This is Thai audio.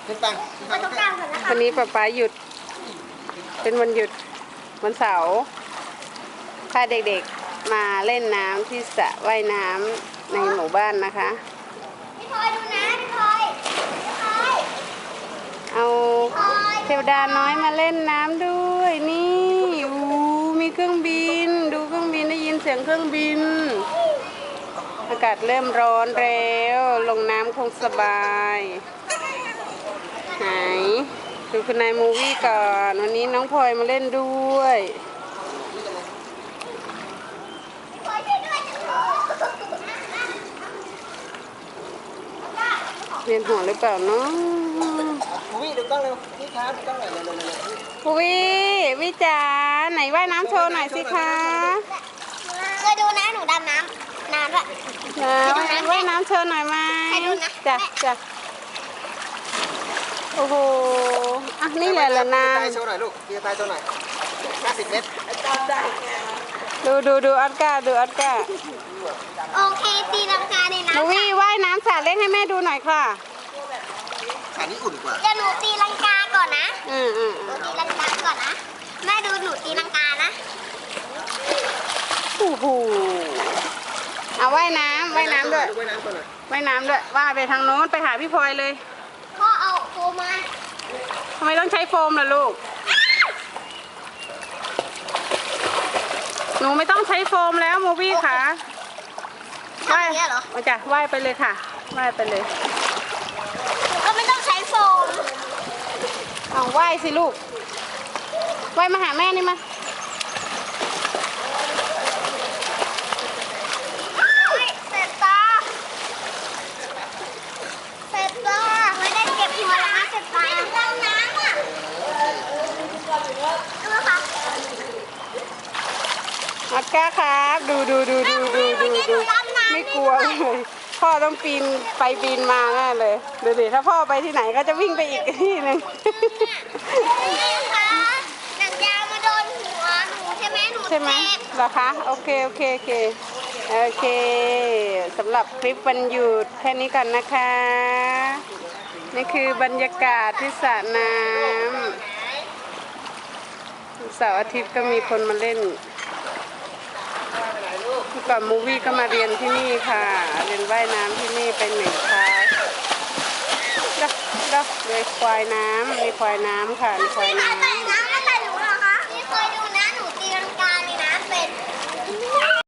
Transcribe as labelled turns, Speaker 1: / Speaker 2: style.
Speaker 1: ขึ้นปัง
Speaker 2: ไปตรงกลางก่อนนะคะ
Speaker 3: วันนี้ป๊าหยุดเป็นวันหยุดวันเสาร์พาเด็กๆมาเล่นน้ำที่สระว่ายน้ำในหมู่บ้านนะคะ
Speaker 2: พี่พลอยดูนะพี่พลอยพี่พลอย
Speaker 3: เอาเทวดาน้อยมาเล่นน้ำด้วยนี่มีเครื่องบินดูเครื่องบินได้ยินเสียงเครื่องบินอากาศเริ่มร้อนแล้วลงน้ำคงสบายไหนดูคุณนายมูวี่ก่อนวันนี้น้องพลอยมาเล่นด้วย
Speaker 2: พี่พลอยช่วยด้วยจังเลย
Speaker 3: เวียนหัวหรือเปล่าเนาะ
Speaker 1: วิ่งดูกล้องเร็วนี่ครับดูกล้องหน่อยเร็ว
Speaker 3: วิจ๋าไหนว่ายน้ำโชว์หน่อยสิคะ
Speaker 2: เคยดูนะหนูดำน้ำนานด้วย
Speaker 3: ว่ายน้ำโชว์หน่อยไหม
Speaker 2: ให้ดูนะ
Speaker 3: จ้ะโอ้โหอ่ะนี่แหละละนา
Speaker 1: ตายโชว์หน่อยลูกพี่ตายโชว์หน่อย50 เมตรได้
Speaker 3: ดูออสการ์ดูออสการ์
Speaker 2: โอเคตีลังกาในน้ำ
Speaker 3: มูวี่ว่ายน้ำสระเล่นให้แม่ดูหน่อยค่ะ
Speaker 1: ขานี้อุ่นกว่า
Speaker 2: เดี๋ยวหนูตีลังกาก่อนนะ
Speaker 3: อืม
Speaker 2: หนูตีลังกาก่อนนะแม่ดูหนูตีลังกานะ
Speaker 3: โอ้โหเอาว่ายน้ำด้วย
Speaker 1: ว่ายน้ำก่อนหน่อย
Speaker 3: ว่ายน้ำด้วยว่ายไปทางโน้นไปหาพี่พลอยเลย
Speaker 2: พ่อเอาโฟมมา
Speaker 3: ทำไมต้องใช้โฟมล่ะลูกหนูไม่ต้องใช้โฟมแล้วมูวี่ค่ะ
Speaker 2: ทำอย่างเงี้ยเหรอ
Speaker 3: มาจ้ะว่ายไปเลยค่ะว่ายไปเลย
Speaker 2: หนูก็ไม่ต้องใช้โฟม
Speaker 3: เอาว่ายสิลูกว่ายมาหาแม่นี่มา
Speaker 2: เสร็จตาเสร็จตาไม่ได้เก็บหัวแล้วนะเสร็จตาดำน้ำอ่ะดูค่ะ
Speaker 3: ออสการ์ครับดูไม่กลัวเลยพ่อต้องปีนไปปีนมาแน่เลยดูดิถ้าพ่อไปที่ไหนก็จะวิ่งไปอีกที่หนึ่ง
Speaker 2: นี่ค่ะหนังยาวมาโดนหัวหนูใช่ไหมหนู
Speaker 3: ใช่ไหม
Speaker 2: เจ็บ
Speaker 3: เหรอคะโอเคสำหรับคลิปวันหยุดแค่นี้ก่อนนะคะนี่คือบรรยากาศที่สระน้ำเสาร์อาทิตย์ก็มีคนมาเล่นเมื่อก่อนมูวี่ก็มาเรียนที่นี่ค่ะเรียนว่ายน้ำที่นี่เป็น1 คลาสเลยควายน้ำมีควายน้ำค่ะมีควายน้ำ